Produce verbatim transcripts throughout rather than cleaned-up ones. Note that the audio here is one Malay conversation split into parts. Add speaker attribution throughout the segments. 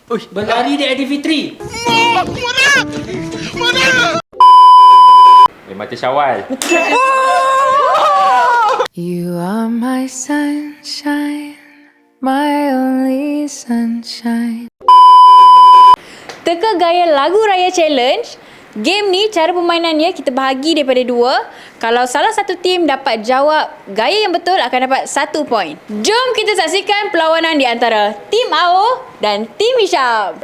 Speaker 1: Uish, berlari di Aidilfitri.
Speaker 2: Mana? Mana?
Speaker 3: Lima Syawal.
Speaker 4: You are my sunshine, my only sunshine.
Speaker 5: Teka gaya lagu raya challenge. Game ni cara permainannya kita bahagi daripada dua. Kalau salah satu tim dapat jawab gaya yang betul akan dapat satu poin. Jom kita saksikan perlawanan di antara Tim A O dan Tim Hisham.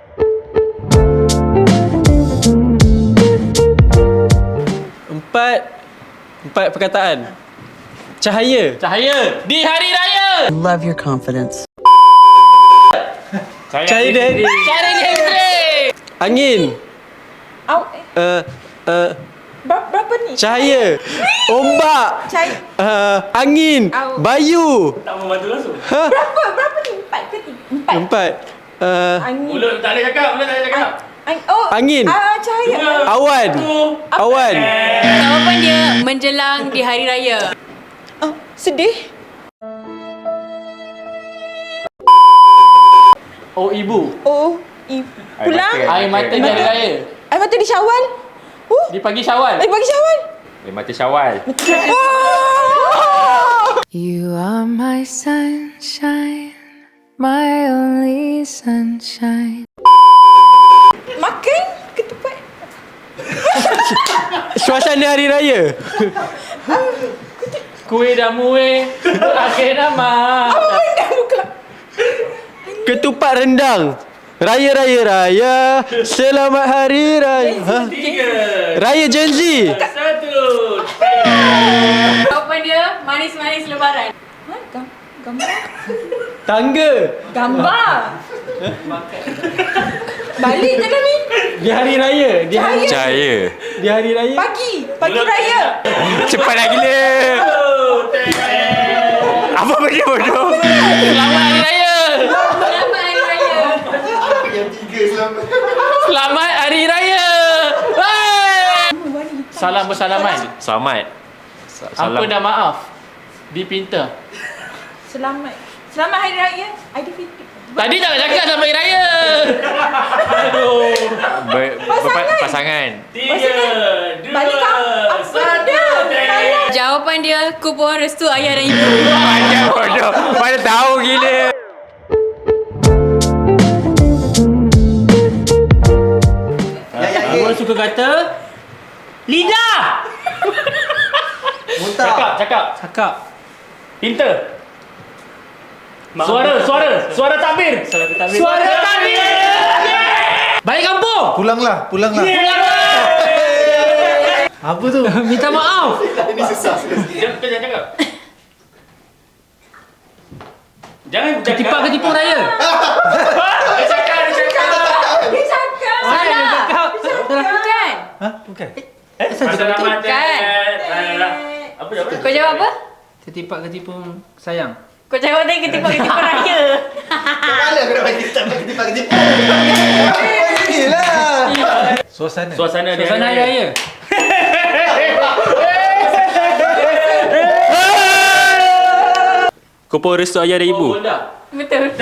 Speaker 1: Empat Empat perkataan. Cahaya.
Speaker 3: Cahaya di hari raya.
Speaker 6: Love your confidence.
Speaker 1: Cahaya di
Speaker 3: Cahaya di Aidilfitri.
Speaker 1: Angin.
Speaker 7: Au,
Speaker 1: Uh, uh,
Speaker 7: ber- berapa ni?
Speaker 1: cahaya. Ombak.
Speaker 7: Cahaya.
Speaker 1: Uh, angin.
Speaker 7: Au.
Speaker 1: Bayu.
Speaker 3: Tak membantu langsung.
Speaker 1: Ha?
Speaker 7: Berapa? Berapa ni? Empat ke tiga? Empat.
Speaker 1: Empat. Uh,
Speaker 7: Angin.
Speaker 3: Mulut tak boleh cakap, mulut tak boleh cakap.
Speaker 7: Ang- oh,
Speaker 1: Angin.
Speaker 7: Ah, cahaya.
Speaker 3: Dua.
Speaker 1: awan.
Speaker 3: Satu.
Speaker 1: Awan.
Speaker 5: Jawapan dia menjelang di hari raya.
Speaker 7: Oh, sedih.
Speaker 1: Oh, ibu.
Speaker 7: Oh, i- pulang.
Speaker 3: Air mata di hari raya.
Speaker 7: Air mata di Syawal. Uh,
Speaker 3: Di pagi Syawal.
Speaker 7: eh, pagi Syawal.
Speaker 3: Lima Syawal.
Speaker 4: You are my sunshine, my only sunshine.
Speaker 7: Makan ketupat.
Speaker 1: Suasana hari raya.
Speaker 3: Kuih dan muih berakhir nama.
Speaker 7: Apa benda buka?
Speaker 1: Ketupat rendang. Raya, raya, raya. Selamat hari raya. Ha?
Speaker 3: Tiga.
Speaker 1: Raya Gen Z.
Speaker 3: Satu.
Speaker 5: Jawapan dia manis-manis lebaran.
Speaker 7: Ha, gam- gambar.
Speaker 1: Tangga.
Speaker 7: Gambar. Balik je Namin.
Speaker 1: Di hari raya. Di hari,
Speaker 3: Cahaya.
Speaker 1: di hari raya.
Speaker 7: Pagi. Pagi raya.
Speaker 3: Cepatlah gila. Apa benda bodoh? Selamat hari raya.
Speaker 5: Selamat hari raya.
Speaker 3: Selamat hari raya. Hai. Salam bersalaman. Selamat. Apa dan maaf dipinta.
Speaker 7: Selamat. Selamat Hari Raya Aidilfitri.
Speaker 3: Tadi tak nak cakap selamat hari raya. Aduh. Ber,
Speaker 7: Pasangan.
Speaker 3: pasangan.
Speaker 7: Tiga, balik kampung. Apa benda? Salah.
Speaker 5: Jawapan dia kupon restu ayah dan ibu.
Speaker 3: Macam bodoh. Mana tahu gila.
Speaker 1: Abang suka kata lidah.
Speaker 3: Cakap, cakap.
Speaker 1: Cakap.
Speaker 3: Pinta. Suara, suara, suara takbir. Suara takbir. Suara takbir.
Speaker 1: Balik kampung.
Speaker 8: Pulanglah, pulanglah.
Speaker 1: Apa tu? Minta maaf.
Speaker 3: Jangan, kau jangan cakap. Jangan
Speaker 1: Ketipak ketipu raya.
Speaker 3: Dia cakap, dia cakap.
Speaker 7: Dia cakap.
Speaker 5: Salah. Bukan.
Speaker 1: Ha? Bukan.
Speaker 3: Eh, selamat
Speaker 5: Bukan.
Speaker 3: Apa jawapan?
Speaker 5: Kau jawab apa?
Speaker 1: Ketipak ketipu sayang.
Speaker 5: Kau jawab tadi ketipu-ketipu raya.
Speaker 8: Mana aku nak bagi tak bagi ketipak-ketipak. Inilah. Suasana.
Speaker 3: Suasana dia.
Speaker 1: Suasana hari raya.
Speaker 3: Kupon restu ayah dan ibu.
Speaker 5: Betul.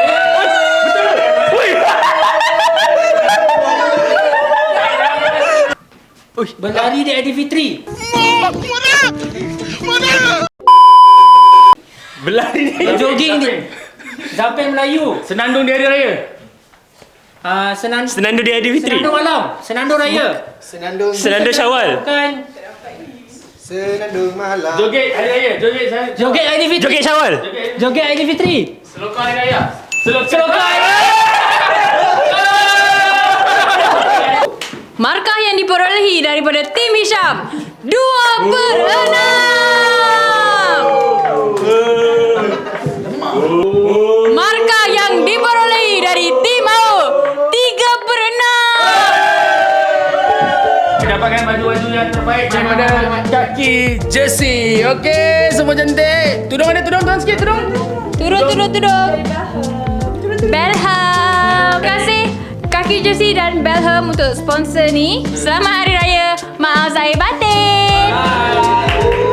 Speaker 1: Uish, berlari di Aidilfitri.
Speaker 3: Berlari ni.
Speaker 1: Jogging di Zapen Melayu.
Speaker 3: Senandung di hari raya.
Speaker 1: Ah, senan
Speaker 3: Senandung di Aidilfitri.
Speaker 1: Senandung malam. Senandung raya.
Speaker 8: Senandung.
Speaker 3: Senandung Syawal.
Speaker 1: Bukan.
Speaker 8: Senandung malam.
Speaker 3: Joget hari raya. Joget saya.
Speaker 1: Joget Aidilfitri.
Speaker 3: Joget Syawal.
Speaker 1: Joget Aidilfitri.
Speaker 3: Selokar hari raya. Selokar hari raya.
Speaker 5: Markah yang diperolehi daripada Tim Hisham dua per enam. Markah yang diperolehi dari Tim A O tiga per enam.
Speaker 3: Dapatkan baju-baju yang terbaik daripada kaki jersey. Okey, semua cantik. Tudung ada tudung, tudung sikit tudung.
Speaker 5: Turun, turun, turun. Belham. Terima kasih Kaki Jersey dan Belham untuk sponsor ni. Selamat Hari Raya. Maaf zahir batin.
Speaker 1: Bye.